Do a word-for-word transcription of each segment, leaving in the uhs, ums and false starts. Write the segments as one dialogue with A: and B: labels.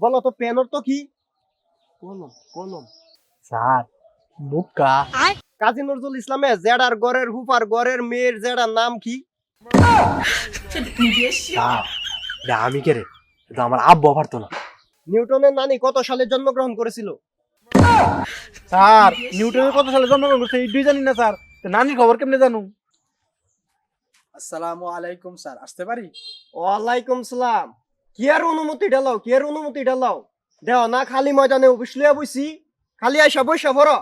A: বলো তো পেন অর্থ কি? কলম কলম
B: স্যার বুকা।
A: কাজী নজরুল ইসলামে জেডার গড়ের হুপার গড়ের মেয়ের জেডার নাম কি?
B: স্যার এটা আমি কে রে? এটা আমার আব্বু পারতো না।
A: নিউটনের নানি কত সালে জন্মগ্রহণ করেছিল?
B: স্যার নিউটনের কত সালে জন্মগ্রহণ করছে এই দুই জানি না স্যার। তো নানির খবর কেমনে জানু?
C: আসসালামু আলাইকুম স্যার, আসতে পারি?
A: ওয়ালাইকুম সালাম। কি আর অনুমতি ঢালাও কি আর অনুমতি ঢালাও দেও না, খালি ময়দানে অফিস লইয়া বইছি, খালি আইসা বইসা ভরো।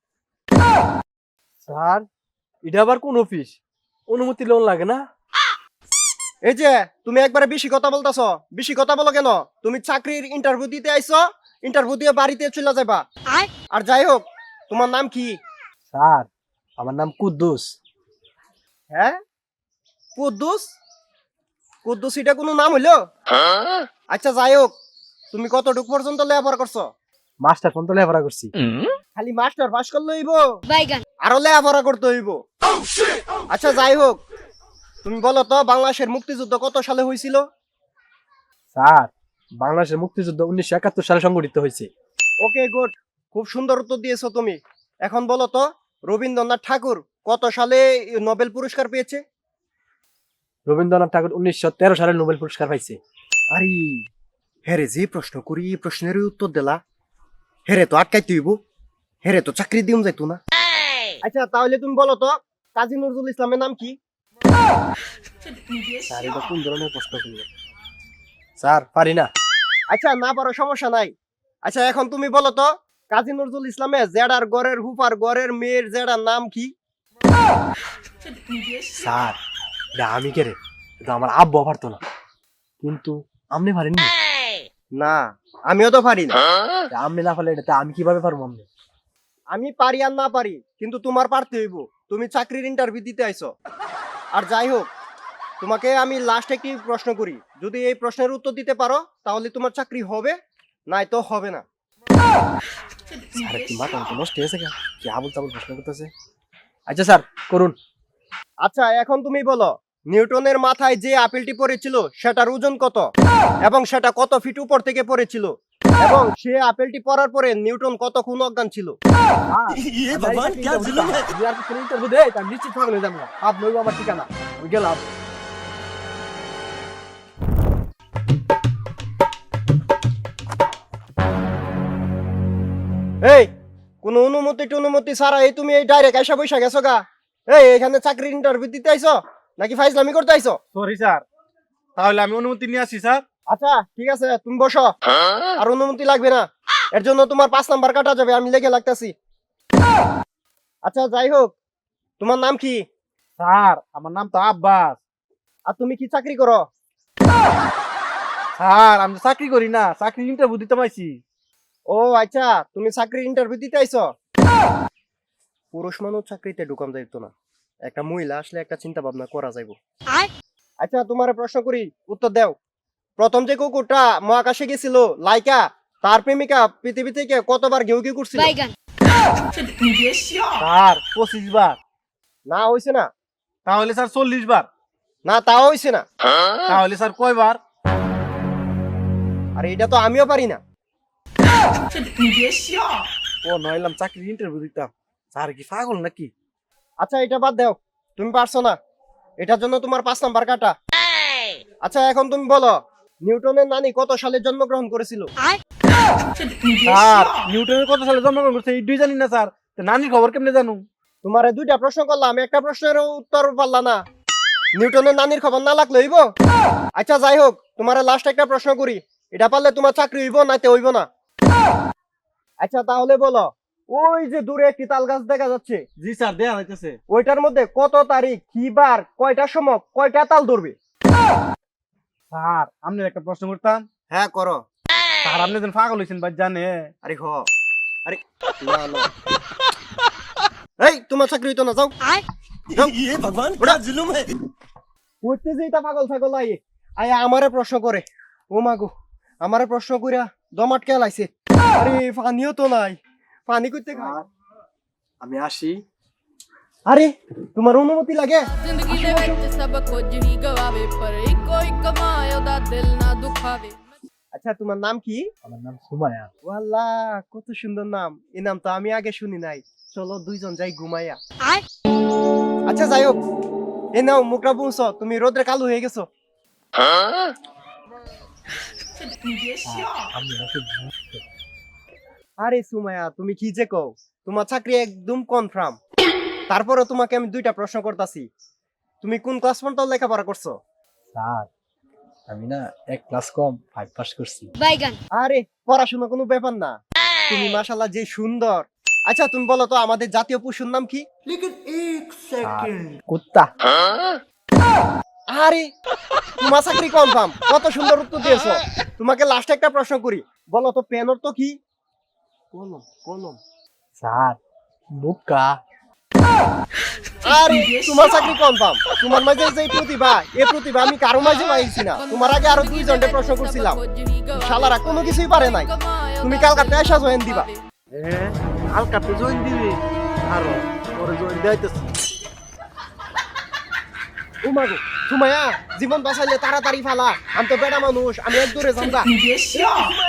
B: স্যার এটা আবার কোন অফিস? অনুমতি লোন লাগে না?
A: এই যে তুমি একবারে বেশি কথা বলতাছো, বেশি কথা বলো কেন? তুমি চাকরির ইন্টারভিউ দিতে আইছো, ইন্টারভিউ দিয়ে বাড়িতে চলে যাবা। আর যাই হোক, তোমার নাম কি?
B: স্যার আমার নাম কুদ্দুস।
A: হ্যাঁ, কুদ্দুস? কুদ্দুস এটা কোনো নাম হইলো? আচ্ছা যাই হোক, তুমি কতটুক পর্যন্ত লেখাপড়া করছো?
B: মাস্টার ফোন তো লেখাপড়া করছি।
A: খালি মাস্টার পাস করলে হইব? আরো লেখাপড়া করতে হইব। আচ্ছা যাই হোক, তুমি বলো তো বাংলাদেশের মুক্তিযুদ্ধ কত সালে হয়েছিল?
B: স্যার বাংলাদেশের মুক্তিযুদ্ধ উনিশশো একাত্তর সালে সংগঠিত হয়েছে।
A: ওকে গুড, খুব সুন্দর উত্তর দিয়েছো তুমি। এখন বলো তো রবীন্দ্রনাথ ঠাকুর কত সালে নোবেল পুরস্কার পেয়েছে?
B: রবীন্দ্রনাথ ঠাকুর উনিশশো তেরো সালে নোবেল পুরস্কার পাইছে।
A: আরে হেরে যে প্রশ্ন করি এই প্রশ্নের উত্তর দিলা, হেরে তো আটকাইতে হইব, হেরে তো চাকরি দিম যাইতো না। আচ্ছা তাহলে তুমি বলো তো কাজী নজরুল ইসলামের নাম কি?
B: স্যার এটা কোন ধরনের প্রশ্ন করলো? স্যার পারি না।
A: আচ্ছা না পারো সমস্যা নাই। আচ্ছা এখন তুমি বলো তো কাজী নজরুল ইসলামে জেডার গড়ের হুপার গড়ের মেয়ের জেডার নাম কি?
B: স্যার এটা আমি কে রে? এটা আমার আব্বু পারতো না। কিন্তু আপনি পারেননি?
A: না আমিও তো পারি না।
B: আপনি না পারলে এটা আমি কিভাবে পারবো? আপনি
A: আমি পারি আর না পারি, কিন্তু তোমার পারতে হইব। তুমি চাকরির ইন্টারভিউ দিতে আইছো। আর যাই হোক, তোমাকে আমি লাস্ট একটি প্রশ্ন করি, যদি এই প্রশ্নের উত্তর দিতে পারো তাহলে তোমার চাকরি হবে, নাই তো হবে না।
B: স্যার কি মাথা মতো নষ্ট হয়েছে কেন? কি আবল তাবল প্রশ্ন করতেছে। আচ্ছা স্যার করুন।
A: আচ্ছা এখন তুমি বলো নিউটনের মাথায় যে আপেলটি পড়েছিল সেটার ওজন কত, এবং সেটা কত ফিট উপর থেকে পড়েছিল, এবং সে আপেলটি পড়ার পরে নিউটন কতক্ষণ অজ্ঞান ছিল?
B: ये भगवान क्या जुल्म है? यार को इंटरव्यू दे তা নিশ্চিত পাগল হয়ে যাবো। আপ নইব আমার ঠিকানা, আমি গেলাম।
A: এই কোন অনুমতি টনুমতি ছাড়া এই তুমি এই ডাইরেক্ট আইসা বৈশা গেছো গা? এই এখানে চাকরির ইন্টারভিউ দিতে আইছো নাকি ফাইজলামি করতে আইছো?
C: সরি স্যার, তাহলে আমি অনুমতি নিয়ে আসি স্যার।
A: আচ্ছা ঠিক আছে তুমি বসো, আর অনুমতি লাগবে না, এর জন্য তোমার পাঁচ নাম্বার কাটা যাবে, আমি লেগে লাগতাছি। আচ্ছা যাই হোক, তোমার নাম কি?
C: স্যার আমার নাম তো আব্বাস।
A: আর তুমি কি চাকরি করো?
C: স্যার আমি তো চাকরি করি না, চাকরি ইন্টারভিউ দিতে পাইছি।
A: ও আচ্ছা, তুমি চাকরির ইন্টারভিউ দিতে আইছো। পুরুষ মানুষ চাকরিতে ঢুকান যাইতো না, একটা মহিলা আসলে একটা চিন্তা ভাবনা করা যাইব। আচ্ছা তোমার প্রশ্ন করি, উত্তর দাও। প্রথম যে কুকুরটা মহাকাশে গেছিল লাইকা, তার প্রেমিকা পৃথিবী থেকে কতবার ঘেউ ঘেউ করছিল?
C: স্যার পঁচিশ বার।
A: না হইছে না।
C: তাহলে স্যার চল্লিশ বার।
A: না তাও হইছে না।
C: তাহলে স্যার কয়বার?
A: আর এটা তো আমিও পারি না।
C: ও নইলাম চাকরি ইন্টারভিউ দিতাম। স্যার কি পাগল নাকি?
A: আচ্ছা এটা বাদ দাও, তুমি পারছো না, এটার জন্য তোমার পাঁচ নাম্বার কাটা। আচ্ছা এখন তুমি বলো নিউটনের নানি কত সালে জন্মগ্রহণ করেছিল?
C: স্যার নিউটনের কত সালে জন্মগ্রহণ করছে এই দুই জানি না স্যার। তো নানির খবর কেমনে জানু?
A: তোমার দুইটা প্রশ্ন করলাম, একটা প্রশ্নের উত্তর পারলা না। নিউটনের নানির খবর না লাগলে হইব? আচ্ছা যাই হোক, তোমার লাস্ট একটা প্রশ্ন করি, এটা পারলে তোমার চাকরি হইব নাইতে হইব না। আচ্ছা তাহলে বলো ওই যে দূরে একটি তাল গাছ দেখা যাচ্ছে,
C: জি স্যার দেয়া হইতেছে।
A: ওইটার মধ্যে কত তারিখ কি বার কয়টার সময় কয়টা তাল ধরবে?
C: স্যার আপনি একটা প্রশ্ন করতাম।
A: হ্যাঁ করো।
C: স্যার আপনি যেন পাগল হয়েছেন ভাই জানে।
A: আরে হ আরে না না এই তোমার চাকরি হইতো না, যাও যাও।
C: ये भगवान क्या जुल्म है?
A: করতে যেই তা পাগল ছাগল আই আয়া আমারে প্রশ্ন করে। ও মাগো, আমারে প্রশ্ন কইরা দমাট কে লাইছে। আরে পানিও তো নাই, পানি কইতে খায়।
B: আমি আসি।
A: আরে তোমার অনুমতি লাগে?
D: ਜ਼ਿੰਦਗੀ ਦੇ ਵਿੱਚ ਸਭ ਕੁਝ ਹੀ ਗਵਾਵੇ ਪਰ ਇੱਕੋ ਇੱਕ ਮਾਂ ਉਹਦਾ ਦਿਲ ਨਾ ਦੁਖਾਵੇ।
A: আচ্ছা তোমার নাম কি?
B: আমার নাম সুমায়া।
A: ওয়াল্লাহ কত সুন্দর নাম, এই নাম তো আমি আগে শুনি নাই। চলো দুইজন যাই ঘুমাইয়া। আচ্ছা যাই হোক, এ নাও মুখটা বুঝছো, তুমি রোদ্রে কালো হয়ে গেছো।
B: আমি নাকি
A: আরে সুমাইয়া তুমি কি যে কও, তোমার চাকরি একদম কনফার্ম। তারপরে তোমাকে আমি দুইটা প্রশ্ন করতাছি, তুমি কোন ক্লাস পর্যন্ত লেখাপড়া করছো?
B: স্যার, আমি না এক ক্লাস কম ফাইভ পাস করছি।
A: আরে পড়াশোনা কোনো ব্যাপার না, তুমি মাশাআল্লাহ যে সুন্দর। আচ্ছা তুমি বলো তো আমাদের জাতীয় পশুর নাম কি?
B: স্যার, কুত্তা।
A: আরে তোমার চাকরি কনফার্ম, কত সুন্দর উত্তর দিয়েছো। তোমাকে লাস্ট একটা প্রশ্ন করি, বলো তো পেন অর্থ কি? কলম কলম।
B: স্যার, বুকা।
A: আরে তোমার চাকরি কনফার্ম, তোমার মাঝে যে প্রতিভা, এই প্রতিভা আমি কারো মাঝে পাইছি না। তোমার আগে আরো দুই জনকে প্রশ্ন করছিলাম, শালারা কোনো কিছুই পারে নাই। তুমি কালকাতে আসা জয়েন দিবা।
C: হ্যাঁ হালকাতে জয়েন দিবি আরো পরে জয়েন দিতেছি।
A: উমাগো সুমাইয়া, জীবন বাঁচাইলে তাড়াতাড়ি ফালা, আমি তো বেড়া মানুষ, আমি এক দূরে যাম গা।